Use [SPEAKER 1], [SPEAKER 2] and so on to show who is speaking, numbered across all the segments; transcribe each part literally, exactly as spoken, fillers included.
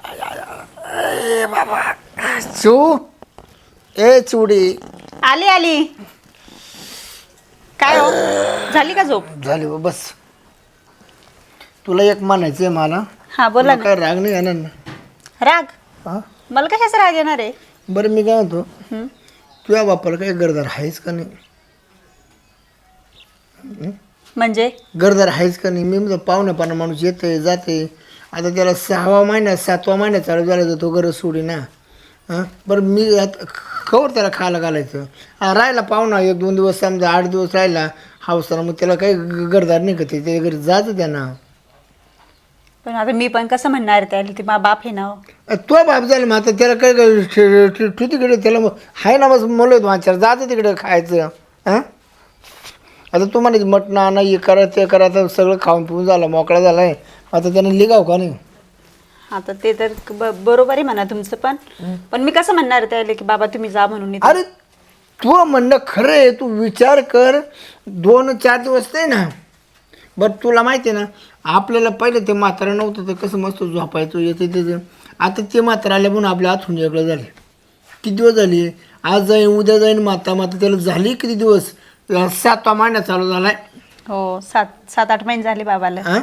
[SPEAKER 1] ए बाबा चू ए चुडी
[SPEAKER 2] आली आली. काय हो झाली का झोप?
[SPEAKER 1] झाली बा, बस. तुला एक म्हणायचं आहे मला.
[SPEAKER 2] हा बोला
[SPEAKER 1] तुला काय राग नाही येणार ना?
[SPEAKER 2] राग?
[SPEAKER 1] हा
[SPEAKER 2] मला कशाचा राग येणार आहे?
[SPEAKER 1] बरं मी काय म्हणतो,
[SPEAKER 2] हं?
[SPEAKER 1] तुझ्या बापाला काही गरदार आहेच का नाही?
[SPEAKER 2] म्हणजे
[SPEAKER 1] गरदार आहेच का नाही? मी म्हणजे पाहुण्यापाना माणूस येते जाते. आता त्याला सहावा महिना सातवा महिना चालू झाला तर तो गरज सोडी ना. हां बरं मी आता खबर त्याला खायला घालायचं. हा राहिला पाहुणा एक दोन दिवस समजा आठ दिवस राहिला हावसाला, मग त्याला काही गरदार नाही का? ते त्याच्या घरी जायचं त्यांना.
[SPEAKER 2] पण आता मी पण कसं म्हणणार त्याला? ते मा बाप आहे ना हो.
[SPEAKER 1] तो बाप झाला मग आता त्याला काय तू तिकडे त्याला आहे ना बस मुलं वाचार जातं तिकडे खायचं. हां आता तुम्हाला मटण आणा हे करा ते करा, आता सगळं खाऊन पिऊन झालं मोकळा झाला आहे. आता त्याने लिगाव का नाही?
[SPEAKER 2] आता ते तर ब- बरोबर आहे म्हणा तुमचं, पण पण मी कसं म्हणणार त्याला की बाबा तुम्ही जा म्हणून इथं?
[SPEAKER 1] अरे तू म्हणणं खरं आहे. तू विचार कर, दोन चार दिवस नाही ना. बरं तुला माहिती आहे ना, आपल्याला पहिलं ते म्हातारा नव्हतं तर कसं मस्त झोपायचं येते त्याचं. आता ते म्हातारा आल्या म्हणून आपल्या हातून वेगळं झाले. किती दिवस झाले? आज जाईन उद्या जाईन माता माता त्याला झाली किती दिवस? सातवा महिना चालू झालाय.
[SPEAKER 2] हो सात सात आठ महिने झाले बाबाला.
[SPEAKER 1] हां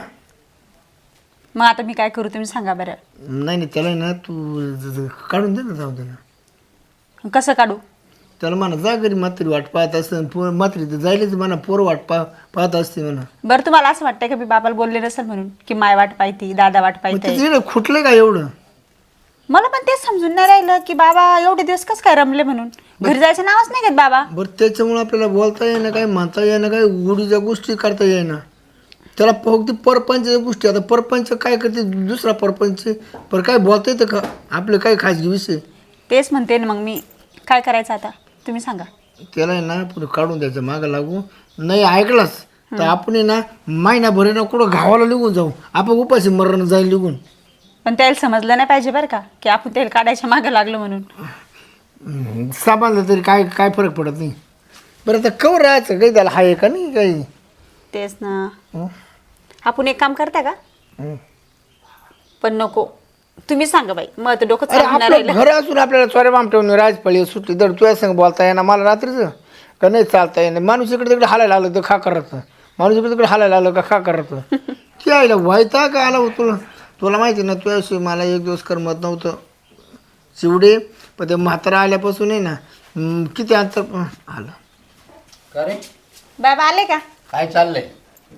[SPEAKER 2] मग आता मी काय करू तुम्ही सांगा बरं?
[SPEAKER 1] नाही नाही त्याला ना तू ज- ज- काढून दे ना, जाऊ दे ना.
[SPEAKER 2] कसं काढू?
[SPEAKER 1] त्याला म्हणा जा घरी म्हातारी वाट पाहत असतं. पोर म्हातारी तर जायलाच म्हणा, पोरं वाट पा पाहत असते म्हणा.
[SPEAKER 2] बरं तुम्हाला असं वाटतंय का मी बाबाला बोलले नसेल म्हणून की माय वाट पाहती दादा वाट
[SPEAKER 1] मग
[SPEAKER 2] पाहते?
[SPEAKER 1] तिथे खुटलं का एवढं?
[SPEAKER 2] मला पण तेच समजून नाही राहिलं की बाबा एवढे दिवस कसं काय रमले म्हणून. घरी जायचं नावच नाही घेत बाबा.
[SPEAKER 1] बरं त्याच्यामुळे आपल्याला बोलता येईना, काही म्हणता येईना, काही गुढीच्या गोष्टी करता येईना. त्याला फक्त परपंचच्या गोष्टी. आता परपंच काय करते दुसरा परपंच, पर काय बोलता येतं का आपले काही खाजगी विषय?
[SPEAKER 2] तेच म्हणते ना मग मी. काय करायचं आता तुम्ही सांगा.
[SPEAKER 1] त्याला आहे ना पुढे काढून द्यायचं, मागं लागू नाही ऐकलास तर आपण आहे ना महिनाभर ना कुठं गावाला निघून जाऊ. आपण उपाशी मरण जाईल निघून.
[SPEAKER 2] पण त्याला समजलं नाही पाहिजे बरं का की आपण तेल काढायच्या मागं लागलो म्हणून.
[SPEAKER 1] सामानलं तरी काय काय फरक पडत नाही. बरं आता कवर राहायचं काही त्याला आहे का नाही काही?
[SPEAKER 2] तेच ना.
[SPEAKER 1] हं?
[SPEAKER 2] आपण एक काम करता का?
[SPEAKER 1] हं.
[SPEAKER 2] पण नको तुम्ही सांगा बाई. मग आता डोकं
[SPEAKER 1] अरे
[SPEAKER 2] चालणार
[SPEAKER 1] आपलं
[SPEAKER 2] राहिलं.
[SPEAKER 1] घर असून आपल्याला चोऱ्या बामटवून राजपळी सुटली तर तुझ्या संग बोलता येणार मला रात्रीचं का नाही? चालता येणार. माणूस इकडे तिकडे हालायला आलं तर खा करायचं, माणूस इकडे तिकडे हालायला आलं का खा करायचं. ते आईला व्हायता का आला हो तुला? तुला माहिती ना तुझ्याशी मला एक दिवस करमत नव्हतं शिवडे. पण ते म्हातारा आल्यापासून आहे ना हं, किती अंतर आलं.
[SPEAKER 3] का रे?
[SPEAKER 2] बाबा आले का?
[SPEAKER 3] काय चाललंय?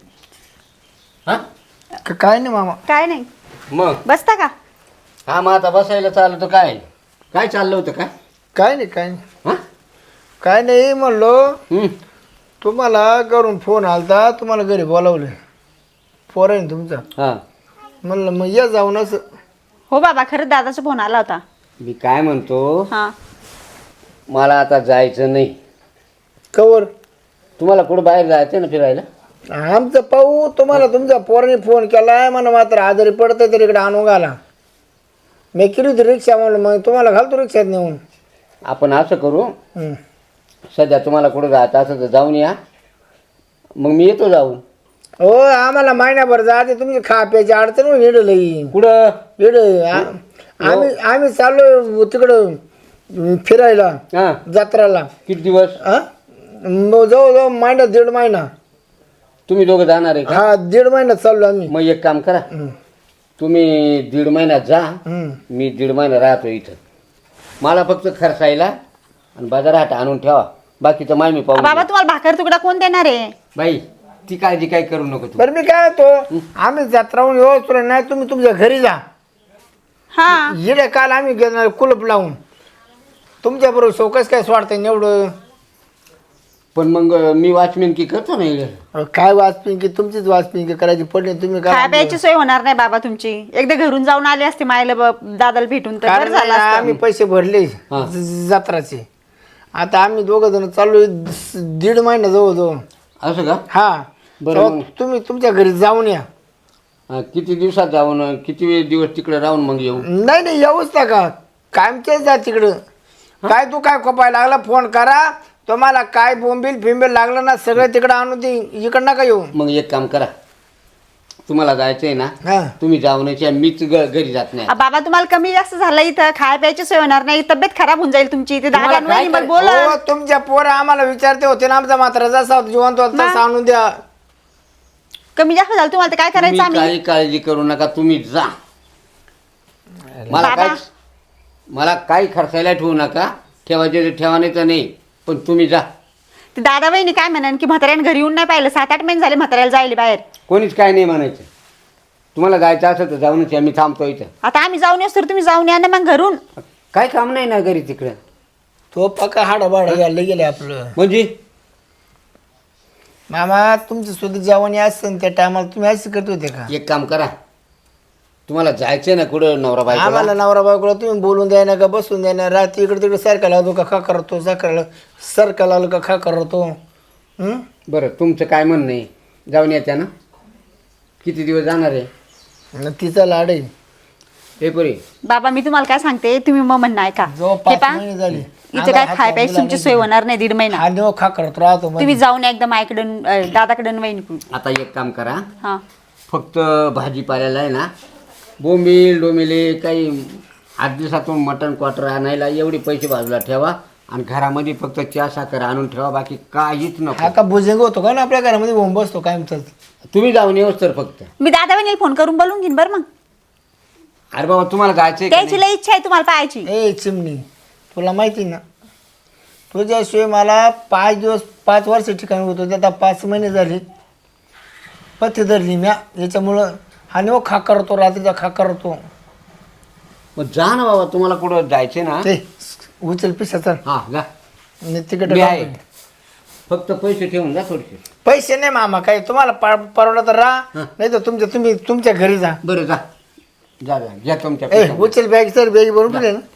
[SPEAKER 3] हा
[SPEAKER 1] का- काय नाही मामा.
[SPEAKER 2] काय नाही.
[SPEAKER 3] मग
[SPEAKER 2] बसता का?
[SPEAKER 3] हा मग आता बसायला चाललं तर काय काय चाललं होतं काय?
[SPEAKER 1] काय नाही काय नाही
[SPEAKER 3] हा
[SPEAKER 1] काय नाही म्हणलो.
[SPEAKER 3] हम्म.
[SPEAKER 1] तुम्हाला घरून फोन आलता, तुम्हाला घरी बोलावलं पोर आहे ना तुमचा.
[SPEAKER 3] हा
[SPEAKER 1] म्हणलं मग या जाऊन असं.
[SPEAKER 2] हो बाबा खरंच दादाचा फोन आला होता.
[SPEAKER 3] मी काय म्हणतो,
[SPEAKER 2] हा
[SPEAKER 3] मला आता जायचं नाही.
[SPEAKER 1] कवर
[SPEAKER 3] तुम्हाला कुठं बाहेर जायचं ना फिरायला?
[SPEAKER 1] आमचं पाहू. तुम्हाला तुमच्या पोराने फोन केलाय म्हणा मात्र आजारी पडतंय तर इकडे आणून घाला. मी केली होती रिक्षा म्हणून मग तुम्हाला घालतो रिक्षात नेऊन.
[SPEAKER 3] आपण असं करू,
[SPEAKER 1] हं.
[SPEAKER 3] सध्या तुम्हाला कुठं जायचं असं तर जाऊन या, मग मी येतो जाऊन.
[SPEAKER 1] हो आम्हाला महिन्याभर जाते. तुमची खा प्यायची अडचण हो हिडलं येईन
[SPEAKER 3] कुठं?
[SPEAKER 1] हिड आम्ही आम्ही चाललो तिकडं अं, फिरायला
[SPEAKER 3] हा
[SPEAKER 1] जत्राला.
[SPEAKER 3] किती दिवस?
[SPEAKER 1] हा मग जवळजवळ महिना दीड महिना.
[SPEAKER 3] तुम्ही दोघं जाणार आहे का?
[SPEAKER 1] हा दीड महिन्यात चाललो आम्ही.
[SPEAKER 3] मग एक काम करा,
[SPEAKER 1] हं.
[SPEAKER 3] तुम्ही दीड महिन्यात जा,
[SPEAKER 1] हं.
[SPEAKER 3] मी दीड महिना राहतो इथं. मला फक्त खर्चायला आणि बाजारात आणून ठेवा, बाकीचं माय मी पाहू.
[SPEAKER 2] बाबा तुम्हाला भाकर तुकडा कोण देणार आहे?
[SPEAKER 3] बाई ती काळजी काय करू नको तू.
[SPEAKER 1] बरं मी काय होतो, आम्ही जत्राहून येऊ तुला नाही तुम्ही तुमच्या घरी जा.
[SPEAKER 2] हा
[SPEAKER 1] हिडे काल आम्ही घेणार कुलप लावून. तुमच्या बरोबर शोकस काय स्वाडतं एवढं.
[SPEAKER 3] पण मग मी वॉचमॅन की करतो ना इकडे.
[SPEAKER 1] अहो, काय वाचपिंकी तुमचीच वाचपिंकी करायची पडली तुम्ही
[SPEAKER 2] खाय
[SPEAKER 1] काय.
[SPEAKER 2] प्यायची सोय होणार नाही बाबा तुमची. एकदा घरून जाऊन आले असते मायला ब- दादाला भेटून तर बरं
[SPEAKER 1] कारण
[SPEAKER 2] झालं असतं.
[SPEAKER 1] आम्ही पैसे भरले
[SPEAKER 3] हा.
[SPEAKER 1] ज- जत्राचे. आता आम्ही दोघं जण चालू दीड महिना जवळजवळ.
[SPEAKER 3] असं का?
[SPEAKER 1] हा
[SPEAKER 3] बरं
[SPEAKER 1] तेव्हा
[SPEAKER 3] मग.
[SPEAKER 1] तुम्ही तुमच्या घरी जाऊन या.
[SPEAKER 3] हा, किती दिवसात जाऊन किती वेळ दिवस तिकडे राहून मग येऊ?
[SPEAKER 1] नाही नाही येऊच नका कायमचेच जा तिकडं. काय तू काय खोपायला लागला फोन करा. तुम्हाला काय बोंबील फिंबील लागलं ना सगळं तिकडं आणून दे. इकडं नका येऊ.
[SPEAKER 3] मग एक काम करा, तुम्हाला जायचंय ना
[SPEAKER 1] हा
[SPEAKER 3] तुम्ही जाऊन यायचे, मीच ग- घरी जात नाही.
[SPEAKER 2] आ, बाबा तुम्हाला कमी जास्त झालं इथं खाय प्यायची सोय होणार नाही, तब्येत खराब होऊन जाईल तुमची इथे दादा
[SPEAKER 3] तुम्हाला काय
[SPEAKER 2] आणि
[SPEAKER 3] कर-
[SPEAKER 2] बोल
[SPEAKER 1] हो, तुमच्या पोरं आम्हाला विचारते होते ना आमचा मात्र जसा होता जिवंत होता तसा आणून द्या.
[SPEAKER 2] कमी जास्त झालं तुम्हाला तर काय
[SPEAKER 3] तुम्ही
[SPEAKER 2] करायचं आम्ही
[SPEAKER 3] काही काळजी करू नका, तुम्ही जा. मला
[SPEAKER 2] बाबा.
[SPEAKER 3] काय मला काही खर्चायला ठेवू नका, ठेवायचे तर ठेवा नाही तर नाही, पण तुम्ही जा.
[SPEAKER 2] ते दादा वहिनी काय म्हणान की म्हाताऱ्याने घरी येऊन नाही पाहिलं, सात आठ महिने झाले म्हाताऱ्याला जायला बाहेर.
[SPEAKER 3] कोणीच काय नाही म्हणायचं. तुम्हाला जायचं असेल तर जाऊनच या, मी थांबतो इथं.
[SPEAKER 2] आता आम्ही जाऊन येऊ तर तुम्ही जाऊन या ना मग घरून.
[SPEAKER 3] काय काम नाही ना घरी तिकडं.
[SPEAKER 1] तो पक्का हाडा बाडा घालले गेले आपलं.
[SPEAKER 3] म्हणजे
[SPEAKER 1] मामा तुमचं सुद्धा जेवण असतं त्या टायमाला तुम्ही असं करत होते का?
[SPEAKER 3] एक काम करा, तुम्हाला जायचंय ना कुठं नवरा
[SPEAKER 1] आम्हाला
[SPEAKER 3] बायकोला,
[SPEAKER 1] नवरा बायकोला तुम्ही बोलून द्या ना का बसून द्या ना, रात्री इकडे तिकडे सारखा लावतो का खा करतो, सकाळ सारखा लावलं का खा करतो. हं?
[SPEAKER 3] बरं तुमचं काय म्हणणं आहे, जाऊन याच्या ना. किती दिवस जाणार आहे
[SPEAKER 1] आणि तिचा लाड आहे
[SPEAKER 3] हे पुरी.
[SPEAKER 2] बाबा मी तुम्हाला काय सांगते, तुम्ही मग म्हणणं ऐका.
[SPEAKER 1] जो
[SPEAKER 2] हे
[SPEAKER 1] पाच
[SPEAKER 2] पहा,
[SPEAKER 1] महिने झाले
[SPEAKER 2] इथे काय खाय प्यायची तुमची सोय होणार नाही दीड महिना.
[SPEAKER 1] हा देव खा करत राहतो
[SPEAKER 2] तुम्ही जाऊन या एकदम आईकडून अं, दादाकडून वहिनीकडून.
[SPEAKER 3] आता एक काम करा,
[SPEAKER 2] हा
[SPEAKER 3] फक्त भाजीपाल्याला आहे ना बोंबील डोमेले काही आठ दिवसातून मटण क्वार्टर आणायला एवढे पैसे बाजूला ठेवा आणि घरामध्ये फक्त चहा साखर आणून ठेवा, बाकी काहीच
[SPEAKER 1] हा
[SPEAKER 3] नको.
[SPEAKER 1] का भुजंग होतो का ना आपल्या घरामध्ये बोंब बसतो काय म्हणतात.
[SPEAKER 3] तुम्ही जाऊन येऊच तर फक्त.
[SPEAKER 2] मी दादा वहिनीला फोन करून बोलून घेईन बरं मग.
[SPEAKER 3] अरे बाबा तुम्हाला जायचंय का
[SPEAKER 2] त्याची
[SPEAKER 3] नाही?
[SPEAKER 2] लई इच्छा आहे तुम्हाला पाहायची.
[SPEAKER 1] ए चिमणी तुला माहिती ना तुझ्याशिवाय मला पाच दिवस पाच वर्ष ठिकाणी होतो ते आता पाच महिने झाले पथ्य धरली म्या याच्यामुळं हा नेव खा करतो रात्रीचा खा करतो.
[SPEAKER 3] मग जा ना बाबा, तुम्हाला कुठं जायचंय ना.
[SPEAKER 1] ते उचल पिसा चल
[SPEAKER 3] हा जा,
[SPEAKER 1] तिकडे
[SPEAKER 3] मी आहे. फक्त पैसे ठेवून जा थोडेसे.
[SPEAKER 1] पैसे नाही मामा काही तुम्हाला पर- परवडलं तर राहा नाही तर तुमच्या तुम्ही तुमच्या घरी जा.
[SPEAKER 3] बरं जा जा जा घ्या तुमच्या
[SPEAKER 1] ए
[SPEAKER 3] पैशामध्ये.
[SPEAKER 1] उचल बॅग सर बॅग भरून ठेवले ना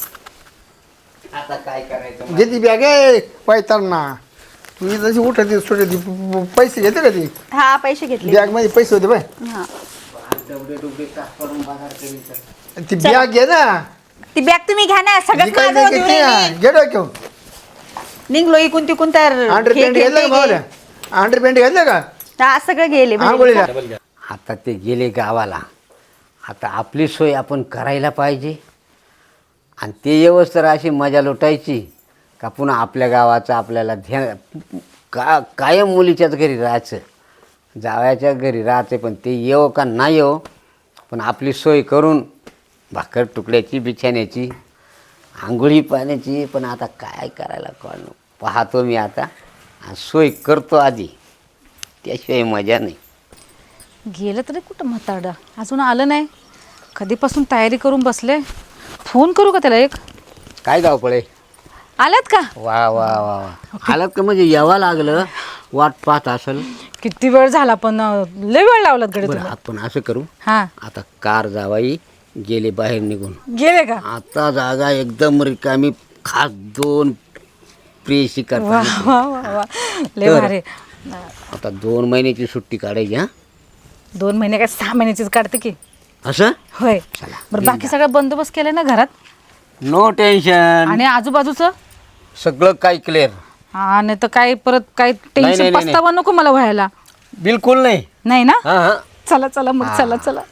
[SPEAKER 3] आता काय करायचं
[SPEAKER 1] घेते बॅग आहे पैताल ना तुम्ही जशी उठत सुटत पैसे घेते का ती
[SPEAKER 2] हा पैसे घेतले.
[SPEAKER 1] बॅग मध्ये पैसे होते बाय
[SPEAKER 2] हा
[SPEAKER 3] डबडे डुबडे तास करून बाजार करीन तर.
[SPEAKER 1] ती बॅग घे ना
[SPEAKER 2] ती बॅग तुम्ही घ्या ना, सगळं
[SPEAKER 1] जी काही
[SPEAKER 2] माझं
[SPEAKER 1] घेते
[SPEAKER 2] देऊन
[SPEAKER 1] ना
[SPEAKER 2] येईन.
[SPEAKER 1] घे डोक्यावर.
[SPEAKER 2] निघलो इकून तिकून तर
[SPEAKER 1] अंडर
[SPEAKER 2] हे
[SPEAKER 1] पॅन्ट
[SPEAKER 2] घे,
[SPEAKER 1] घेतलं
[SPEAKER 2] ते
[SPEAKER 1] का
[SPEAKER 2] घे.
[SPEAKER 1] भावल्या अंडर पॅन्ट घेतलं का
[SPEAKER 2] हा सगळं गेले
[SPEAKER 1] आंघोळीला
[SPEAKER 3] आता ते गेले गावाला, आता आपली सोय आपण करायला पाहिजे आणि ते येवस तर अशी मजा लुटायची का पुन्हा आपल्या गावाचं आपल्याला ध्यान का कायम मुलीच्याच घरी राहायचं, जावयाच्या घरी राहायचं. पण ते येवो का नाही येवो पण आपली सोय करून भाकर तुकड्याची बिछाण्याची आंघोळी पाण्याची. पण आता काय करायला कोण पाहतो मी आता आणि सोय करतो आधी, त्याशिवाय मजा नाही.
[SPEAKER 4] गेलं तरी कुठं म्हातारडा अजून आलं नाही. कधीपासून तयारी करून बसले. फोन करू का त्याला एक?
[SPEAKER 3] काय धावपळे
[SPEAKER 4] आल्यात का?
[SPEAKER 3] वा वा वा वा आलात का? म्हणजे यावं लागलं, वाट पाहत असेल.
[SPEAKER 4] किती वेळ झाला पण अं, लय वेळ लावलात गडे
[SPEAKER 3] बरं
[SPEAKER 4] तुम्ही.
[SPEAKER 3] आपण असं करू,
[SPEAKER 4] हा
[SPEAKER 3] आता कार जावाई गेले बाहेर निघून,
[SPEAKER 4] गेले का?
[SPEAKER 3] आता जागा एकदम रिकामी, खास दोन प्रेयसी
[SPEAKER 4] वा
[SPEAKER 3] करता.
[SPEAKER 4] वा वा वा लय
[SPEAKER 3] तर.
[SPEAKER 4] भारी.
[SPEAKER 3] आता दोन महिन्याची सुट्टी काढायची. हा
[SPEAKER 4] दोन महिने काय सहा महिन्याचीच काढते की.
[SPEAKER 3] असं
[SPEAKER 4] होय.
[SPEAKER 3] चला,
[SPEAKER 4] बरं बाकी सगळं बंदोबस्त केलाय ना घरात
[SPEAKER 3] नो टेन्शन,
[SPEAKER 4] आणि आजूबाजूचं?
[SPEAKER 3] सगळं काही क्लिअर.
[SPEAKER 4] हा नाही तर काय परत काय
[SPEAKER 3] नाही,
[SPEAKER 4] टेन्शन
[SPEAKER 3] नाही, नाही.
[SPEAKER 4] पस्तावा नको मला व्हायला.
[SPEAKER 3] बिलकुल नाही.
[SPEAKER 4] नाही ना?
[SPEAKER 3] हा हा
[SPEAKER 4] चला चला मग चला चला.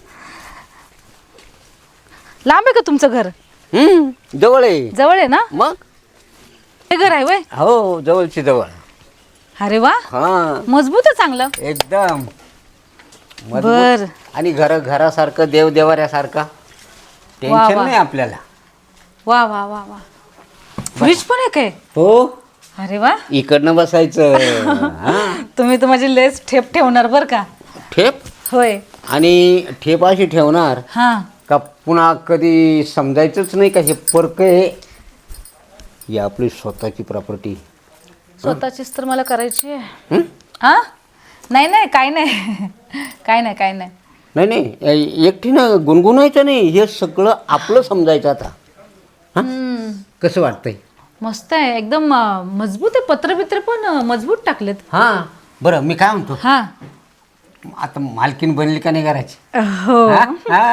[SPEAKER 4] लांब आहे का तुमचं घर?
[SPEAKER 3] हम्म जवळ आहे.
[SPEAKER 4] जवळ आहे ना?
[SPEAKER 3] मग
[SPEAKER 4] हे घर आहे वय?
[SPEAKER 3] हो जवळची जवळ.
[SPEAKER 4] अरे वा
[SPEAKER 3] हा
[SPEAKER 4] मजबूत आहे चांगलं.
[SPEAKER 3] एकदम मजबूत.
[SPEAKER 4] बर.
[SPEAKER 3] आणि घर घरासारखं देव देवाऱ्यासारखा, टेन्शन
[SPEAKER 4] वा.
[SPEAKER 3] नाही आपल्याला.
[SPEAKER 4] वा वा वा वा. फ्रीज पण आहे काय?
[SPEAKER 3] हो
[SPEAKER 4] अरे वा.
[SPEAKER 3] इकडनं बसायचं. हा.
[SPEAKER 4] तुम्ही तर माझी लेस ठेप ठेवणार बर का?
[SPEAKER 3] ठेप
[SPEAKER 4] होय.
[SPEAKER 3] आणि ठेप अशी ठेवणार
[SPEAKER 4] हा
[SPEAKER 3] का पुन्हा कधी समजायचंच नाही का हे परक आहे, ही आपली स्वतःची प्रॉपर्टी.
[SPEAKER 4] स्वतःचीच तर मला करायची आहे. हा नाही नाही काय नाही काय नाही काय नाही.
[SPEAKER 3] नाही नाही एकटीनं गुणगुणायचं नाही, हे सगळं आपलं समजायचं आता. हा कसं वाटतंय?
[SPEAKER 4] मस्त आहे एकदम अं, मजबूत आहे. पत्र बित्र पण अं, मजबूत टाकलेत.
[SPEAKER 3] हां बरं मी काय म्हणतो,
[SPEAKER 4] हा
[SPEAKER 3] आता मालकीन बनली का नाही घराची?
[SPEAKER 4] हो.
[SPEAKER 3] हा?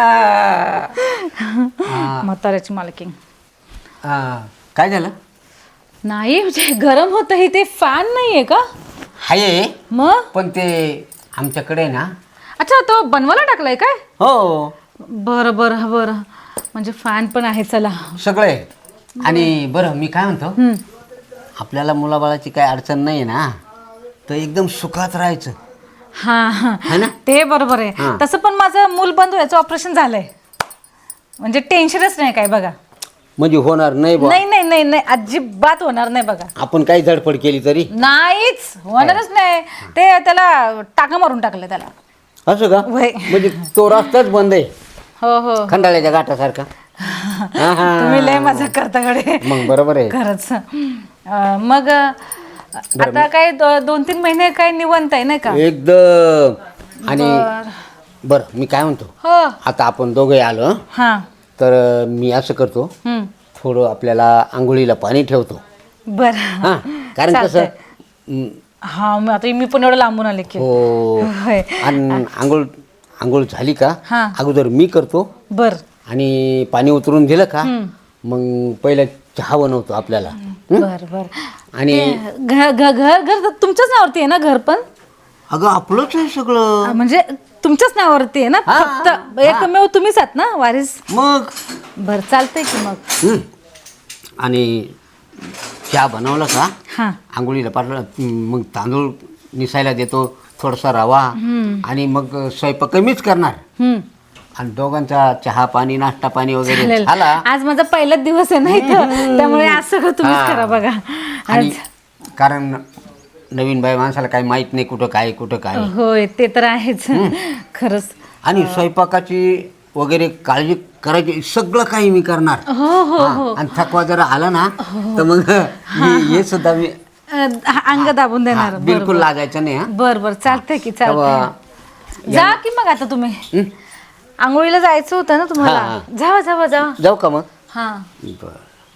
[SPEAKER 3] हा.
[SPEAKER 4] म्हाताऱ्याची मालकीण
[SPEAKER 3] हा. काय झालं?
[SPEAKER 4] नाही म्हणजे गरम होतं हे ते फॅन नाहीये का?
[SPEAKER 3] हाय
[SPEAKER 4] मग
[SPEAKER 3] पण ते आमच्याकडे ना
[SPEAKER 4] अच्छा तो बनवायला टाकलाय काय?
[SPEAKER 3] हो
[SPEAKER 4] बरं बरं बरं, म्हणजे फॅन पण आहे. चला
[SPEAKER 3] सगळे. आणि बरं मी काय म्हणतो, आपल्याला मुलाबाळाची काही अडचण नाही ना, तर एकदम सुखात राहायचं.
[SPEAKER 4] हा हा
[SPEAKER 3] है ना?
[SPEAKER 4] ते बरोबर आहे.
[SPEAKER 3] हां.
[SPEAKER 4] तसं पण माझं मूलबंधू याचं ऑपरेशन झालंय, म्हणजे टेन्शनच नाही काय बघा.
[SPEAKER 3] म्हणजे होणार नाही बा,
[SPEAKER 4] नाही नाही नाही नाही अजिबात होणार नाही बघा.
[SPEAKER 3] आपण काही धडपड केली तरी.
[SPEAKER 4] नाहीच होणारच नाही. ते त्याला टाका मारून टाकलं त्याला.
[SPEAKER 3] असं का?
[SPEAKER 4] वय.
[SPEAKER 3] म्हणजे तो रस्ताच बंद आहे
[SPEAKER 4] हो हो
[SPEAKER 3] खंडाळ्याच्या घाटासारखा. हा, हा.
[SPEAKER 4] तुम्ही लय मजा करताकडे.
[SPEAKER 3] मग बरोबर आहे.
[SPEAKER 4] खरंच. अं, मग आता काय दो- दोन तीन महिने काय निवंत आहे नाही का?
[SPEAKER 3] एकदम. आणि बरं मी काय म्हणतो,
[SPEAKER 4] हो
[SPEAKER 3] आता आपण दोघे आलो,
[SPEAKER 4] हा.
[SPEAKER 3] तर मी असं करतो,
[SPEAKER 4] हम्म.
[SPEAKER 3] थोडं आपल्याला आंघोळीला पाणी ठेवतो.
[SPEAKER 4] बर
[SPEAKER 3] हा, कारण कसं
[SPEAKER 4] चालतंय.
[SPEAKER 3] हं,
[SPEAKER 4] हा मग आता मी पण एवढं लांबून आले की.
[SPEAKER 3] हो.
[SPEAKER 4] होय.
[SPEAKER 3] आणि आंघोळ आंघोळ झाली का
[SPEAKER 4] हा.
[SPEAKER 3] अगोदर मी करतो,
[SPEAKER 4] बर
[SPEAKER 3] आणि पाणी उतरून दिलं का मग पहिलं चहा बनवतो आपल्याला. हं?
[SPEAKER 4] बर बर.
[SPEAKER 3] आणि
[SPEAKER 4] घर घर घर घर तुमच्याच नावावरती आहे ना घर पण?
[SPEAKER 3] अगं आपलंच आहे सगळं.
[SPEAKER 4] अं, म्हणजे तुमच्याच नावावरती आहे ना?
[SPEAKER 3] हा,
[SPEAKER 4] फक्त एकमेव तुम्हीच आहात ना वारीस?
[SPEAKER 3] मग
[SPEAKER 4] बर चालतंय की मग.
[SPEAKER 3] हं. आणि चहा बनवलं का
[SPEAKER 4] हा
[SPEAKER 3] आंघोळीला पाठवलं, मग तांदूळ निसायला देतो, थोडासा रवा, आणि मग स्वयंपाक मीच करणार.
[SPEAKER 4] हम्म.
[SPEAKER 3] आणि दोघांचा चहा पाणी नाश्ता पाणी वगैरे
[SPEAKER 4] चालेल.
[SPEAKER 3] झाला.
[SPEAKER 4] आज माझा पहिलाच दिवस आहे ना इथं, त्यामुळे आज सगळं तुम्हीच
[SPEAKER 3] हा.
[SPEAKER 4] करा बघा.
[SPEAKER 3] आणि
[SPEAKER 4] आज
[SPEAKER 3] कारण नवीन बाई माणसाला काही माहित नाही कुठं काय कुठं काय.
[SPEAKER 4] होय ते तर आहेच खरंच.
[SPEAKER 3] आणि स्वयंपाकाची वगैरे काळजी करायची, सगळं काही मी करणार.
[SPEAKER 4] हो हो
[SPEAKER 3] हा. आणि थकवा जरा आला ना तर मग हे हे सुद्धा मी
[SPEAKER 4] अं, हा, अंग दाबून
[SPEAKER 3] हा,
[SPEAKER 4] देणार.
[SPEAKER 3] बिलकुल लागायचं नाही. हा
[SPEAKER 4] बर बर चालतंय की
[SPEAKER 3] तेव्हा
[SPEAKER 4] चालतंय. जा की मग आता तुम्ही.
[SPEAKER 3] हं?
[SPEAKER 4] आंघोळीला जायचं होतं ना तुम्हाला?
[SPEAKER 3] हा.
[SPEAKER 4] जावा जावा जावा.
[SPEAKER 3] जाऊ का मग?
[SPEAKER 4] हा
[SPEAKER 3] बर.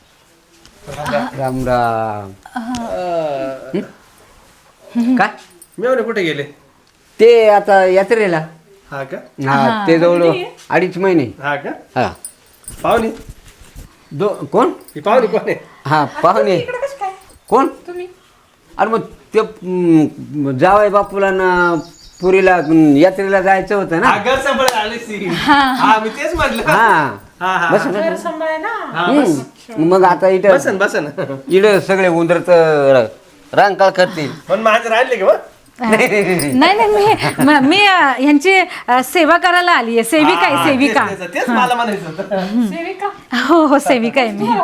[SPEAKER 3] राम राम. हं? काय
[SPEAKER 5] मेवणे कुठे गेले?
[SPEAKER 3] ते आता यात्रेला.
[SPEAKER 5] हा का?
[SPEAKER 3] हा ते जवळ अडीच महिने.
[SPEAKER 5] हा का?
[SPEAKER 3] हा
[SPEAKER 5] पाहुणे?
[SPEAKER 3] दो कोण?
[SPEAKER 5] ही पाहुणे कोण आहे?
[SPEAKER 3] हा पाहुणे. कोण? अरे मग ते म, जावई बापूला ना पुरीला म, यात्रेला जायचं होतं ना.
[SPEAKER 5] हा, घर सांभाळायला आली सी. हा मी तेच म्हटलं.
[SPEAKER 3] हा
[SPEAKER 5] हा हा
[SPEAKER 3] बस ना.
[SPEAKER 5] हा, बस.
[SPEAKER 3] हं. मग आता इथं
[SPEAKER 5] बसन बसन.
[SPEAKER 3] इकडं सगळे उंदरच रांकाळ करतील.
[SPEAKER 5] पण माझे राहिले का?
[SPEAKER 4] नाही नाही मी म- मी अं, ह्यांची अं, सेवा करायला आली आहे. सेविका आहे सेविका.
[SPEAKER 5] तेच- तेच- तेच मला म्हणायचं होतं.
[SPEAKER 4] हो हो सेविका आहे मी.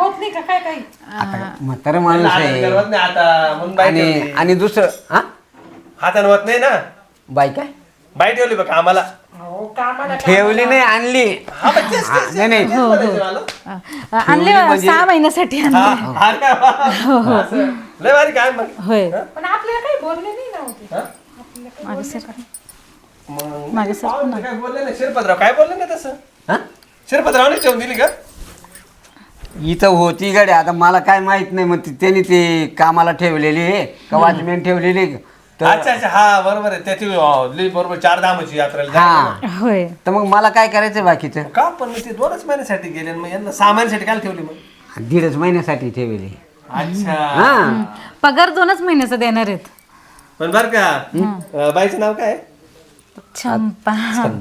[SPEAKER 3] आता म्हातारा माणूस
[SPEAKER 5] हातानं
[SPEAKER 3] आहे.
[SPEAKER 5] करवत नाही आता म्हणून बाई
[SPEAKER 3] आणि
[SPEAKER 5] ठेवली.
[SPEAKER 3] आणि दुसरं हा
[SPEAKER 5] हातानं होत नाही ना,
[SPEAKER 3] बाई काय
[SPEAKER 5] बाई ठेवली बघ आम्हाला.
[SPEAKER 3] ठेवली नाही आणली.
[SPEAKER 5] हा, पण तेच- तेच-
[SPEAKER 3] नाही नाही
[SPEAKER 5] तेच म्हणायचं मला.
[SPEAKER 4] अं, आणले
[SPEAKER 3] म्हणजे-
[SPEAKER 4] सहा महिन्यासाठी आणले.
[SPEAKER 5] हा, हा का? असं. लय भारी काय मग.
[SPEAKER 4] होय
[SPEAKER 6] पण आपल्याला काही बोलले नाही ना होते.
[SPEAKER 5] हा?
[SPEAKER 4] मागे सर
[SPEAKER 5] मग
[SPEAKER 4] मागे सर
[SPEAKER 5] पाहुणे काय बोलले नाही, शिरपतराव काय बोलले नाही तसं.
[SPEAKER 3] हा
[SPEAKER 5] शिरपतरावने ठेवून दिली का?
[SPEAKER 3] इथं होती गाडी, आता मला काय माहित नाही. मग ती- त्यांनी ते कामाला ठेवलेली आहे का वॉचमॅन ठेवलेली आहे. तर
[SPEAKER 5] अच्छा अच्छा हा बरोबर आहे त्याची अं, लई बरोबर चार धामाची यात्रेला जायचं
[SPEAKER 3] हा
[SPEAKER 4] होय
[SPEAKER 3] तर मग मला काय करायचं बाकीचं.
[SPEAKER 5] ना. का पण मग ते दोनच महिन्यासाठी गेले आणि मग यांना सहा महिन्यासाठी काय ठेवली मग?
[SPEAKER 3] दीडच महिन्यासाठी ठेवली.
[SPEAKER 5] अच्छा
[SPEAKER 3] हा
[SPEAKER 4] पगार दोनच महिन्याचा देणार आहेत.
[SPEAKER 5] पण बर का अं, बाईचं नाव काय आहे?
[SPEAKER 4] चंपा.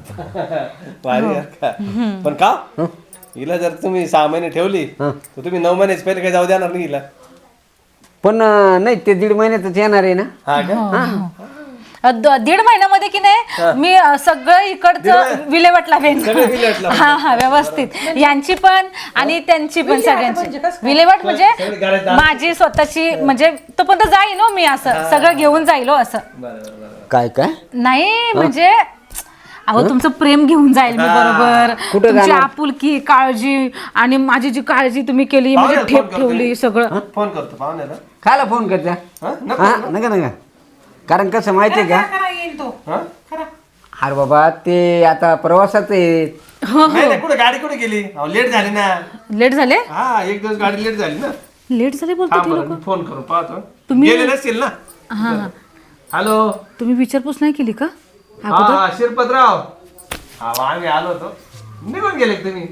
[SPEAKER 5] भारी आहे का? पण का हिला जर तुम्ही सहा महिने ठेवली तर तुम्ही नऊ महिन्याच पहिले काही जाऊ देणार नाही हिला.
[SPEAKER 3] पण अं, नाही ते दीड महिन्यातच येणार आहे ना.
[SPEAKER 5] हा का?
[SPEAKER 4] अं, द- दीड महिन्यामध्ये की नाही मी अं, सगळं इकडचं विल्हेवाट लावेन.
[SPEAKER 5] सगळं विल्हेवाट लावेन.
[SPEAKER 4] हा हा व्यवस्थित यांची पण आणि त्यांची पण सगळ्यांची विल्हेवाट म्हणजे
[SPEAKER 5] सगळी घरात जा-
[SPEAKER 4] माझी स्वतःची म्हणजे तोपर्यंत जाईन हो मी असं सगळं घेऊन जाईल हो असं.
[SPEAKER 5] बरं बरं बरं
[SPEAKER 3] काय काय
[SPEAKER 4] नाही म्हणजे अहो तुमचं प्रेम घेऊन जाईल मी बरोबर.
[SPEAKER 3] कुठं
[SPEAKER 4] तुमची
[SPEAKER 3] जाणार?
[SPEAKER 4] आपुलकी काळजी आणि माझी जी काळजी तुम्ही केली म्हणजे
[SPEAKER 5] पाहुण्याला
[SPEAKER 4] ठेप
[SPEAKER 5] फोन करतो
[SPEAKER 4] ठेवली
[SPEAKER 5] मी.
[SPEAKER 4] सगळं.
[SPEAKER 5] फोन करतो पाहुण्याला.
[SPEAKER 3] खायला फोन करता.
[SPEAKER 5] हा? नको
[SPEAKER 3] हा
[SPEAKER 5] ना?
[SPEAKER 3] नका नका. कारण कसं माहितीये का,
[SPEAKER 6] खरा येईल तो.
[SPEAKER 5] हा?
[SPEAKER 3] अरे बाबा ते आता प्रवासात आहेत.
[SPEAKER 5] नाही नाही कुठे गाडी कुठे गेली? लेट झाली ना.
[SPEAKER 4] लेट झाले
[SPEAKER 5] हा एक दिवस गाडी लेट झाली ना.
[SPEAKER 4] लेट झाले बोलतो
[SPEAKER 5] थांब
[SPEAKER 4] ते
[SPEAKER 5] बरं,
[SPEAKER 4] लोक.
[SPEAKER 5] मी फोन करून पाहतो.
[SPEAKER 4] तुम्ही-
[SPEAKER 5] गेले नसतील ना.
[SPEAKER 4] हा हा
[SPEAKER 5] हॅलो
[SPEAKER 4] तुम्ही विचारपूस नाही केली का
[SPEAKER 5] हा हा शिरपतराव. हा मग आम्ही आलो होतो. निघून गेले का तुम्ही?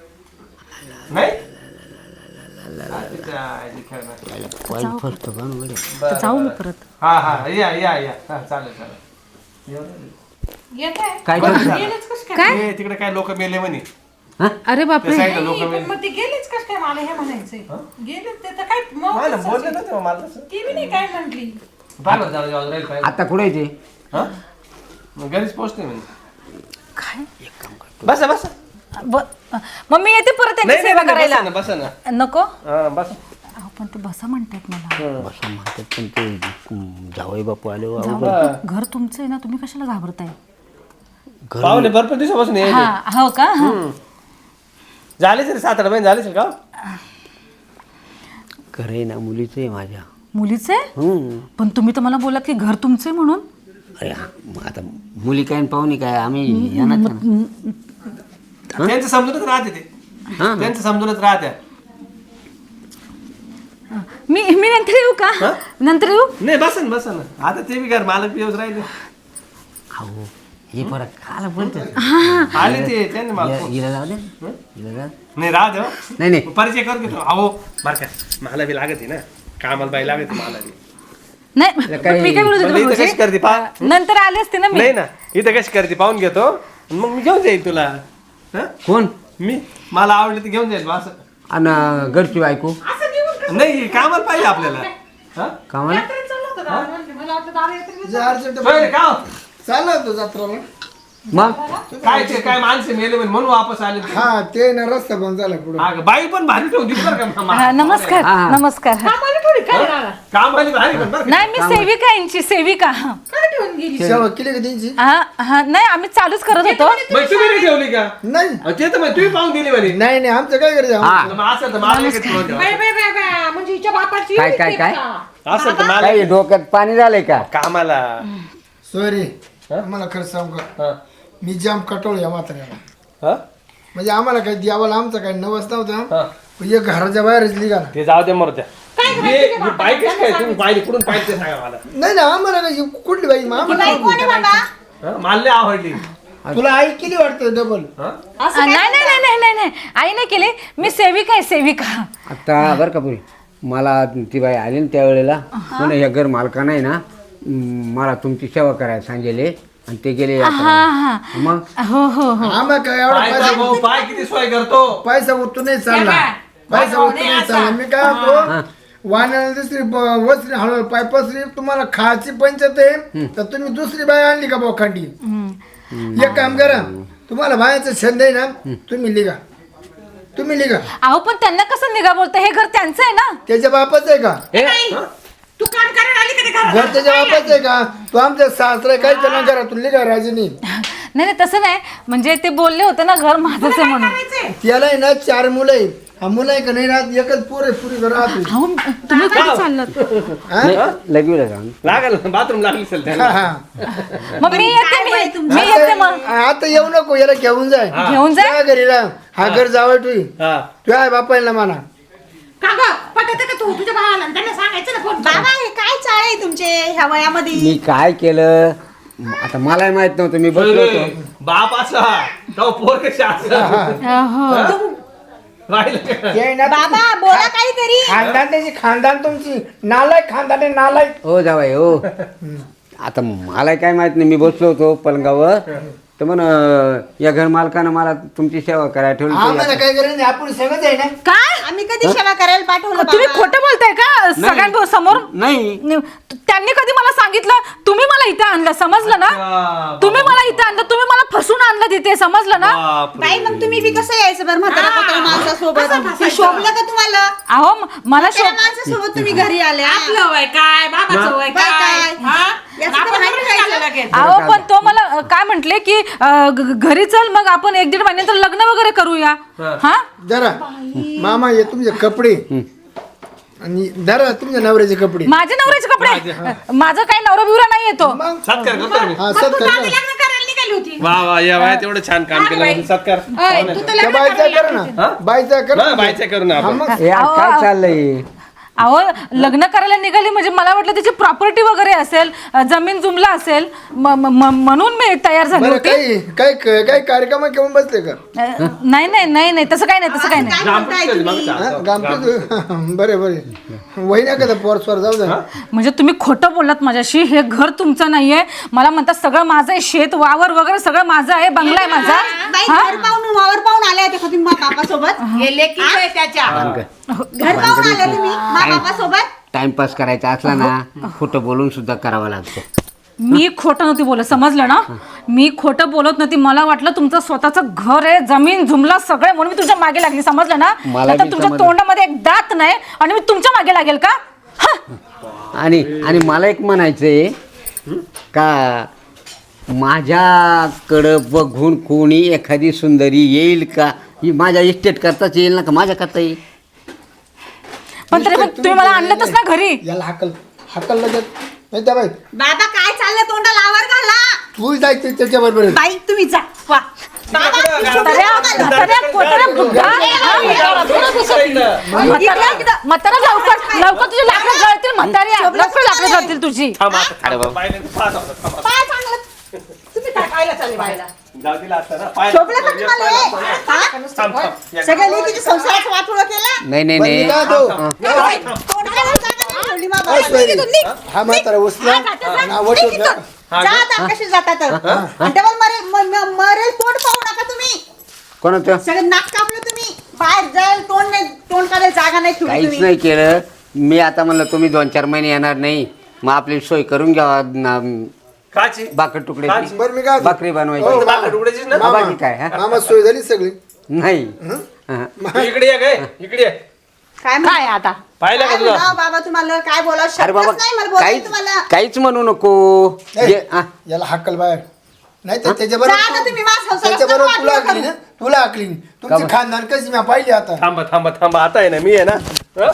[SPEAKER 5] नाही अच्छा, आजी खेळणार.
[SPEAKER 3] पाय फसतो का ना गड्या.
[SPEAKER 4] तर जाऊ मी परत.
[SPEAKER 5] हा हा या या या हा चालेल चालेल.
[SPEAKER 6] येत आहे
[SPEAKER 3] काय
[SPEAKER 5] बरं
[SPEAKER 3] करतो?
[SPEAKER 5] झालं.
[SPEAKER 6] गेलेच कस काय
[SPEAKER 5] ए, तिकडे काय लोक मेले म्हणे
[SPEAKER 4] अरे
[SPEAKER 5] त्या
[SPEAKER 4] बापरे
[SPEAKER 5] साईडला लोक
[SPEAKER 6] नाही,
[SPEAKER 5] मेले
[SPEAKER 6] पण मग ते गेलेच कस काय मला हे म्हणायचंय गेले ते तर काय
[SPEAKER 5] हा ना,
[SPEAKER 6] मग
[SPEAKER 5] बोलले ना तेव्हा मला तसं.
[SPEAKER 6] ती बी नाही काय म्हटली
[SPEAKER 5] बरं, जाऊ दे, जाऊ दे, राहील पाहिजे.
[SPEAKER 3] आता कुठे आहे ते
[SPEAKER 5] हा? मग घरीच पोहोचते म्हणजे
[SPEAKER 4] काय
[SPEAKER 5] बसा बसा
[SPEAKER 4] ब- मग मी येते परत त्यांची
[SPEAKER 5] नाही नाही
[SPEAKER 4] सेवा
[SPEAKER 5] नाही,
[SPEAKER 4] करायला
[SPEAKER 5] बसा ना बसा ना
[SPEAKER 4] नको
[SPEAKER 5] हा बसा
[SPEAKER 4] अहो पण ते बसा म्हणतात मला
[SPEAKER 3] बसा म्हणतात पण ते हम्म, जावई बापू आले हो.
[SPEAKER 4] जाऊ. घर तुमचं आहे ना तुम्ही कशाला घाबरताय
[SPEAKER 5] पाहुणे भरपूर दिवसापासून यायचे.
[SPEAKER 4] हा हो का हा.
[SPEAKER 5] झाले तरी सात आठ महिने झाले का
[SPEAKER 3] घर आहे ना मुलीचं आहे माझ्या
[SPEAKER 4] मुलीचं आहे
[SPEAKER 3] हम्म.
[SPEAKER 4] पण तुम्ही तर मला बोलात की घर तुमचं आहे म्हणून
[SPEAKER 3] अरे हा, मग आता मुली काय आणि पाहुणी काय आम्ही येणार ना.
[SPEAKER 5] त्यांचं समजूनच राहते ते
[SPEAKER 3] हा.
[SPEAKER 5] त्यांचं समजूनच राहत्या
[SPEAKER 4] मी मी नंतर येऊ का नंतर येऊ
[SPEAKER 5] नाही बसा ना बसा ना आता ते बी घर मालक बी येऊच राहिले
[SPEAKER 3] अहो हे परत काला बोलतो
[SPEAKER 5] आले ते त्यांनी मला फोन-
[SPEAKER 3] हिला जाऊ दे हिला जाऊ दे.
[SPEAKER 5] नाही राहू दे हो.
[SPEAKER 3] नाही नाही
[SPEAKER 5] परिचय कर घेतो अहो बरं का मला बी लागत आहे ना कामाला बाई लागत आहे मला बी
[SPEAKER 4] नाही पण मी काय बोलत
[SPEAKER 5] म्हणलं
[SPEAKER 4] होते
[SPEAKER 5] इथं कशी करते पा
[SPEAKER 4] भाऊजी? नंतर आले असते ना मी
[SPEAKER 5] नाही ना इथं कशी करते पाहून घेतो आणि मग मी घेऊन जाईल तुला हं?
[SPEAKER 3] कोण
[SPEAKER 5] मी मला आवडलं तर घेऊन जाईल बा असं
[SPEAKER 3] आणि घरची बायको
[SPEAKER 5] नाही कामाला पाहिजे आपल्याला हं?
[SPEAKER 3] कामाला
[SPEAKER 6] चाललं होतं दादा म्हणते. मला वाटलं दादा येतील
[SPEAKER 1] जे अर्जंट
[SPEAKER 5] होय रे, का हो?
[SPEAKER 1] चालला होतो जत्राला
[SPEAKER 3] मग
[SPEAKER 5] काय ते काय माणसं मेले म्हणे म्हणून वापस आले ते.
[SPEAKER 1] हा ते ना रस्ता बंद झाला पुढे
[SPEAKER 5] हा का, बाई पण भारी ठेवून दिली बरं का मामा.
[SPEAKER 4] हा, नमस्कार
[SPEAKER 3] हा.
[SPEAKER 4] नमस्कार हा.
[SPEAKER 6] आम्हाला थोडी काय दादा
[SPEAKER 5] काम आली भारी पण बरं का.
[SPEAKER 4] नाही मी सेविका आहे यांची सेविका हा
[SPEAKER 6] काय ठेवून गेली
[SPEAKER 1] सेवा केली का त्यांची
[SPEAKER 4] हा हा, नाही आम्ही चालूच करत होतो
[SPEAKER 5] मग तुम्ही नाही ठेवली का
[SPEAKER 1] नाही
[SPEAKER 5] अहो, ते तर मग तुम्ही पाहून दिली म्हणे
[SPEAKER 1] नाही नाही आमचं काय करायचं
[SPEAKER 3] हा
[SPEAKER 5] मग असं तर मला एकच ठेवून ठेवा.
[SPEAKER 6] बाय बाय बाय बाय म्हणजे हिच्या बापाची
[SPEAKER 3] काय,
[SPEAKER 6] एवढी
[SPEAKER 3] काय,
[SPEAKER 6] टेप
[SPEAKER 3] काय?
[SPEAKER 6] का?
[SPEAKER 5] असं तर मला
[SPEAKER 3] काय डोक्यात पाणी झालंय का
[SPEAKER 5] कामाला
[SPEAKER 1] सॉरी आम्हाला खरं सांगू का
[SPEAKER 5] हं.
[SPEAKER 1] मी जाम कटोळ या म्हाताऱ्याला
[SPEAKER 5] हं?
[SPEAKER 1] म्हणजे आम्हाला काही द्यावाला आमचं काही नवस नव्हतं
[SPEAKER 5] हं.
[SPEAKER 1] पण एक घराच्या बाहेरच निघा ना
[SPEAKER 5] ते जाऊ दे मरू द्या
[SPEAKER 6] काय
[SPEAKER 5] हे-
[SPEAKER 6] करायचं ते
[SPEAKER 5] हे
[SPEAKER 6] बाबा?
[SPEAKER 5] बाई कशी काय तुम्ही पाहिली कुठून पाहिजे ते सांगा मला
[SPEAKER 1] नाही ना आम्हाला काही कुठली बाई मग आम्हाला
[SPEAKER 5] हं? मला लय आवडली
[SPEAKER 1] तुला आई केली वाटतं डबल
[SPEAKER 5] हं?
[SPEAKER 4] आ, नाही नाही नाही नाही नाही नाही आई नाही केली मी सेविका आहे सेविका
[SPEAKER 3] आता बरं का पुरी मला ती बाई आली ना त्यावेळेला म्हणे या घर मालकानं आहे ना म, मला तुमची सेवा करायला सांगेले आणि ते गेले
[SPEAKER 4] हा हा
[SPEAKER 3] मग
[SPEAKER 4] हो हो हो
[SPEAKER 1] आम्हाला काय एवढा
[SPEAKER 5] पाय
[SPEAKER 1] पैसा
[SPEAKER 5] भाऊ, पाय किती सोय करतो
[SPEAKER 1] पैसा उतू नाही चालला पैसा उतू नाही चालला मी काय म्हणतो वाण्याला दुसरी ब- वसरी हळू पाय पसरी तुम्हाला खायची पंचायत आहे तर तुम्ही दुसरी बाई आणली का बोखांडी एक काम करा तुम्हाला बायाचं छंद आहे ना तुम्ही लिगा तुम्ही लिगा
[SPEAKER 4] अहो पण त्यांना कसं निघा बोलतं हे घर त्यांचं आहे ना
[SPEAKER 1] त्याच्या बापाचं आहे का
[SPEAKER 6] नाही. तू काम करायला आली का ते घरात?
[SPEAKER 1] घर त्याच्या बापाचं आहे का तो आमच्या सासरा काही त्यांना करा तू लिगा राजीनी
[SPEAKER 4] नाही नाही तसं नाही म्हणजे ते बोलले होते ना घर माझंच आहे म्हणून
[SPEAKER 6] करायचंय?
[SPEAKER 1] त्याला आहे ना चार मुलं आहे हा मुलं आहे का नाही राहत एकच पोर आहे पुरी घर राहतो
[SPEAKER 4] अहो तुम्ही कुठे चाललात
[SPEAKER 3] लगेच सांग
[SPEAKER 5] लागल बाथरूम लागली असेल
[SPEAKER 1] हा
[SPEAKER 5] त्याला
[SPEAKER 1] हा
[SPEAKER 4] मग मी येते मी मी येते मग
[SPEAKER 1] आता आता येऊ नको याला घेऊन जाय
[SPEAKER 4] घेऊन जा
[SPEAKER 1] त्या घरी राह हा घर जावं तू
[SPEAKER 5] हा
[SPEAKER 1] तू आहे बापायला म्हणा
[SPEAKER 6] का गं? पटत का तू तुझ्या भावाला त्यांना सांगायचं ना फोन
[SPEAKER 2] बाबा हे काय चाळ आहे तुमचे ह्या वयामध्ये
[SPEAKER 3] मी काय केलं आता मलाही माहित नव्हतं मी बसलो होतो
[SPEAKER 5] बाप असा तो पोर कशा
[SPEAKER 4] हो
[SPEAKER 5] राहिलं का?
[SPEAKER 1] ते आहे ना
[SPEAKER 2] बाबा बोला काहीतरी
[SPEAKER 1] खानदान त्याची खानदान तुमची नालायक खानदान आहे नालायक
[SPEAKER 3] हो जावाई हो आता मला काय माहित नाही मी बसलो होतो पलंगावर तर म्हण या घर मालकानं मला तुमची सेवा करायला ठेवली
[SPEAKER 1] आम्हाला काय करायचं नाही, आपण सगळंच आहे ना
[SPEAKER 4] काय
[SPEAKER 2] आम्ही कधी सेवा करायला पाठवलं
[SPEAKER 4] तुम्ही
[SPEAKER 2] बाबा?
[SPEAKER 4] खोटं बोलताय का सगळ्यांसमोर समोर
[SPEAKER 3] नाही
[SPEAKER 4] नि- त्यांनी कधी मला सांगितलं तुम्ही मला इथे आणलं समजलं ना
[SPEAKER 5] अच्छा,
[SPEAKER 4] तुम्ही मला इथे आणलं तुम्ही मला फसून आणलं तिथे समजलं ना
[SPEAKER 5] बापरे.
[SPEAKER 2] बाई मग तुम्ही बी कसं यायचं बरं म्हातारा म्हातारा माणसासोबत ते शोभलं का तुम्हाला
[SPEAKER 4] अहो म- मला
[SPEAKER 2] त्या
[SPEAKER 4] शो
[SPEAKER 2] माणसासोबत तुम्ही घरी आल्या
[SPEAKER 6] आपलं वय काय बाबाचं वय
[SPEAKER 2] बाई
[SPEAKER 6] काय
[SPEAKER 2] काय?
[SPEAKER 6] हा?
[SPEAKER 2] याचं तर
[SPEAKER 6] आपण
[SPEAKER 2] माहिती
[SPEAKER 6] थोडी
[SPEAKER 2] पाहिजे.
[SPEAKER 6] झालं लगेच.
[SPEAKER 4] अहो पण तो मला अ, काय म्हंटले की अ, ग- घरी चल मग आपण एक दीड महिन्यानंतर लग्न वगैरे करूया हा
[SPEAKER 1] जरा मामा हे तुमचे कपडे आणि जरा तुमच्या नवऱ्याचे कपडे
[SPEAKER 4] माझे नवऱ्याचे कपडे माझं काही नवरा बिवरा नाही येतो
[SPEAKER 1] मग
[SPEAKER 5] सत्कार करतो ना मी.
[SPEAKER 1] हा
[SPEAKER 6] मग
[SPEAKER 1] सत
[SPEAKER 6] तू आधी लग्न करायला निघाली होती
[SPEAKER 5] वा वा या वयात एवढं छान काम केलं म्हणजे सत्कार
[SPEAKER 6] अय, तू तर
[SPEAKER 1] त्या
[SPEAKER 6] लग्न
[SPEAKER 1] बायचा
[SPEAKER 6] करायला
[SPEAKER 1] कर
[SPEAKER 6] लागली
[SPEAKER 1] ना बायचा कर
[SPEAKER 5] ना बायच्या करू ना
[SPEAKER 1] हा
[SPEAKER 5] आपण
[SPEAKER 1] मग
[SPEAKER 3] हे आज काय चाललंय
[SPEAKER 4] अहो लग्न करायला निघाली म्हणजे मला वाटलं त्याची प्रॉपर्टी वगैरे असेल, अ, जमीन जुमला असेल, म- म- म- म्हणून मी तयार झाली
[SPEAKER 1] बरं
[SPEAKER 4] होती.
[SPEAKER 1] काही काही काही कार्यक्रम घेऊन बसले का
[SPEAKER 4] अ, नाही नाही नाही नाही तसं काही नाही तसं काही नाही.
[SPEAKER 1] हा, गामठीच बरे बरे वही नाही का पोर स्वर जाऊ दे.
[SPEAKER 4] म्हणजे तुम्ही खोटं बोललात माझ्याशी. हे घर तुमचं नाहीये. मला म्हणतात सगळं माझं आहे, शेत वावर वगैरे सगळं माझं आहे, बंगला आहे माझा.
[SPEAKER 2] बाई
[SPEAKER 4] हा?
[SPEAKER 2] घर पाहून वावर पाहून आले होते का तुम्ही मा बापा सोबत?
[SPEAKER 6] गेले की काय त्याच्या
[SPEAKER 2] घर पाहून आले तुम्ही मा बापा सोबत?
[SPEAKER 3] टाइमपास करायचा असला ना खोटं बोलून सुद्धा करावं लागतं.
[SPEAKER 4] मी खोटं नव्हती बोलत, समजलं ना? मी खोटं बोलत नव्हती. मला वाटलं तुमचं स्वतःचं घर आहे, जमीन जुमला सगळे, म्हणून मी तुझ्या मागे लागली, समजलं ना?
[SPEAKER 3] मला
[SPEAKER 4] आता
[SPEAKER 3] बी
[SPEAKER 4] तुमच्या
[SPEAKER 3] समजलं.
[SPEAKER 4] तोंडामध्ये एक दात नाही आणि मी तुमच्या मागे लागेल का? हा?
[SPEAKER 3] आणि आणि मला एक म्हणायचं आहे का माझ्याकडं बघून कोणी एखादी सुंदरी येईल का? ही माझ्या इस्टेट करताच येईल ना का माझ्या करता येईल?
[SPEAKER 4] पण तरी पण तुम्ही मला आणलंतच ना घरी.
[SPEAKER 1] याला हाकल हाकल लगेच नाही त्या बाई
[SPEAKER 2] बाबा काय चाललं तोंडाला आवर घाला.
[SPEAKER 1] तू जायचं त्याच्या बरोबर
[SPEAKER 2] बाई तुम्ही जा वा. बाबा
[SPEAKER 4] म्हाताऱ्या, म्हाताऱ्या, कोताऱ्या, बुड्ढा. म्हाताऱ्या, म्हाताऱ्या, लवकर लवकर तुझे लाकडं जळतील म्हाताऱ्या, लवकर लाकडं जळतील तुझी.
[SPEAKER 2] पाय चांगलं तुम्ही काय पाहिलं चालले बाईला?
[SPEAKER 5] जाऊ दिला असता ना पाय-
[SPEAKER 2] शोभलं का तुम्हाला हे? हा?
[SPEAKER 5] थांब, थांब.
[SPEAKER 2] सगळ्या लेकीच्या संसाराचं वाटोळं केलं.
[SPEAKER 3] नाही नाही
[SPEAKER 1] पण मी
[SPEAKER 3] नाही
[SPEAKER 1] काय तो
[SPEAKER 2] बाई, तोंडाला जागा नाही ठेवली मा
[SPEAKER 1] काय
[SPEAKER 2] बाबाला.
[SPEAKER 1] सोयरी?
[SPEAKER 2] निघ इथून, निघ.
[SPEAKER 1] हा म्हातारा उचला
[SPEAKER 2] हा, जाते, जा.
[SPEAKER 1] ना वट
[SPEAKER 2] निघ
[SPEAKER 1] उचला.
[SPEAKER 2] इथून. जा आता, कशी जातात तर. डबल मरेल म- म- मरेल तोंड पाहू नका तुम्ही.
[SPEAKER 3] कोणाचं
[SPEAKER 2] सगळं नाक कापलं तुम्ही. बाहेर जाईल तोंड नाही, तोंड काढायला जागा नाही ठेवली
[SPEAKER 3] काहीच
[SPEAKER 2] तुम्ही.
[SPEAKER 3] नाही केलं. मी आता म्हणलं तुम्ही दोन चार महिने येणार नाही, मग आपली सोय करून घ्यावा ना-
[SPEAKER 5] काची
[SPEAKER 3] भाकर तुकडे
[SPEAKER 1] बरं मी काय
[SPEAKER 3] भाकरी
[SPEAKER 1] हो,
[SPEAKER 3] बनवायची.
[SPEAKER 5] भाकर तुकड्याचीच ना?
[SPEAKER 3] हा, बाकी काय हा?
[SPEAKER 1] मामा सोय झाली सगळी
[SPEAKER 3] नाही हा.
[SPEAKER 5] तू इकडे ये काय इकडे ये.
[SPEAKER 2] काय काय आता
[SPEAKER 5] पाहिलं का
[SPEAKER 2] काय
[SPEAKER 5] तुला?
[SPEAKER 2] म्हणावं बाबा तुम्हाला काय बोलावं
[SPEAKER 3] अरे
[SPEAKER 2] शब्दच
[SPEAKER 3] बाबा
[SPEAKER 2] नाही मला बोलायला
[SPEAKER 3] काहीच
[SPEAKER 2] तुम्हाला.
[SPEAKER 3] काहीच म्हणू नको.
[SPEAKER 1] ए,
[SPEAKER 3] जे- हा.
[SPEAKER 1] याला हाकल बाहेर नाही तर त्याच्या
[SPEAKER 2] जा आता तुम्ही माझ्या संसारात
[SPEAKER 1] त्याच्या बरोबर
[SPEAKER 2] नका
[SPEAKER 1] तुला
[SPEAKER 2] वाटलं
[SPEAKER 1] आकली ना तुला आकली तुमची
[SPEAKER 3] बरं?
[SPEAKER 1] खानदान कशी मी पाहिली आता
[SPEAKER 5] थांबा थांबा थांबा आता आहे ना मी आहे ना हं?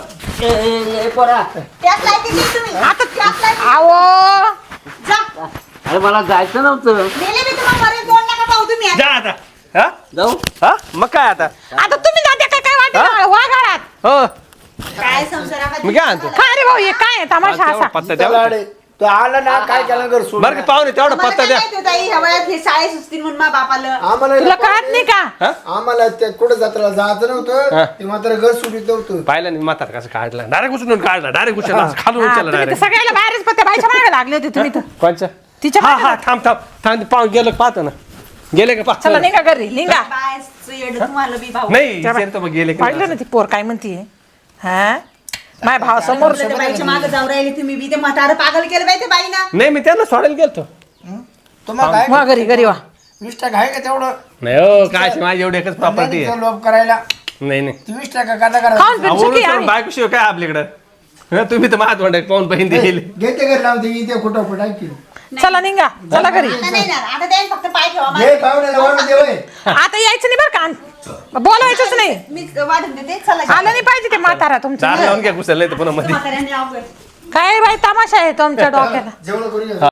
[SPEAKER 2] त्याच लायकीचे आहे तुम्ही आता त्याच लायकीचे.
[SPEAKER 4] आवो
[SPEAKER 2] जा
[SPEAKER 3] अरे मला जायचं नव्हतं.
[SPEAKER 2] गेले मी तुम्हाला मरेल तोंड नका पाहू तुम्ही आता.
[SPEAKER 5] जा आता हा
[SPEAKER 3] जाऊ
[SPEAKER 5] हा मग काय आता
[SPEAKER 6] आता तुम्ही जाते काय काय वाटत वा घरात
[SPEAKER 5] हो
[SPEAKER 2] काय संसारात
[SPEAKER 5] मी काय आणतो
[SPEAKER 6] काय रे भाऊ हे काय आहे तमाशा
[SPEAKER 5] तेवढा
[SPEAKER 6] असा?
[SPEAKER 5] पत्ता
[SPEAKER 1] त्याला
[SPEAKER 5] द्या
[SPEAKER 1] अडे. तो आला ना काय केला घर सोडून
[SPEAKER 5] बरं का पाहुणे तेवढा
[SPEAKER 2] मला
[SPEAKER 5] पत्ता
[SPEAKER 2] काय
[SPEAKER 5] द्या
[SPEAKER 2] माहिती होतं, आई ह्या वयात हे शाळे सुचतील म्हणून मा बापाला.
[SPEAKER 1] आम्हाला
[SPEAKER 6] तुला कळत नाही का?
[SPEAKER 1] आम्हाला त्या कुठं जत्रा जायचं
[SPEAKER 5] हा.
[SPEAKER 1] नव्हतं ते मात्र घर सोडित नव्हतं
[SPEAKER 5] पाहिलं नाही म्हातार कसं काढला डायरेक्ट उचलून काढला डायरेक्ट उचलला खालून
[SPEAKER 6] हा,
[SPEAKER 5] उचलला
[SPEAKER 6] तुम्ही तर
[SPEAKER 5] डायरेक्ट
[SPEAKER 6] सगळ्याला बाहेरच पत्ते बाईच्या मागे लागले होते तुम्ही तर
[SPEAKER 5] कोणचं
[SPEAKER 6] तिच्या
[SPEAKER 5] हा
[SPEAKER 6] मागे
[SPEAKER 5] हा थांब थांब थांब पाहून गेलं पाहतो ना गेले का
[SPEAKER 6] चला
[SPEAKER 5] पाहतो
[SPEAKER 6] निघा घरी निघा.
[SPEAKER 2] बायचं येडं तुम्हाला बी भाऊ.
[SPEAKER 5] नाही विचारतो मग गेले का
[SPEAKER 6] पाहिलं ना ती पोर काय म्हणतीये हा माझ्या भावासमोर
[SPEAKER 2] त्या बाईच्या मागे जाऊ राहिले तुम्ही बी ते म्हातारं पागल केलं बाई ते बाईना.
[SPEAKER 5] नाही मी त्यांना सोडायला गेलतो
[SPEAKER 1] तुम्हाला काय
[SPEAKER 6] वा घरी घरी वा.
[SPEAKER 1] वीस टक्का आहे का तेवढं
[SPEAKER 5] नाही हो काय माझी एवढी एकच प्रॉपर्टी आहे
[SPEAKER 1] लोभ करायला
[SPEAKER 5] नाही नाही
[SPEAKER 1] ती वीस टक्का काटा करा
[SPEAKER 6] खाऊन पिऊन सुखी
[SPEAKER 5] आवरून
[SPEAKER 6] आहे.
[SPEAKER 5] बायको शिवाय काय आपल्याकडं हं, तुम्ही तर माझ्या तोंडात पाहून बहीण दिली
[SPEAKER 1] घेते घर लावते इथे खोटं खोट ऐकी
[SPEAKER 6] चला निघा चला घरी
[SPEAKER 2] आता नाही ना आता त्याने फक्त पाय ठेवा
[SPEAKER 1] घे
[SPEAKER 2] माझे.
[SPEAKER 1] पाहुण्याला वाढून दे होय.
[SPEAKER 6] आता यायचं नाही बरं का बोलवायचंच नाही.
[SPEAKER 2] मी वाढून देते चला
[SPEAKER 6] आलं नाही पाहिजे ते म्हातारा
[SPEAKER 5] दार
[SPEAKER 6] तुमचं.
[SPEAKER 5] लावून घ्या कुसल नाही तर पुन्हा मध्ये
[SPEAKER 2] म्हाताऱ्याने अवघड.
[SPEAKER 6] काय बाई तमाशा आहे तुमच्या डोक्याला.
[SPEAKER 1] जेवण करून घे.
[SPEAKER 5] हा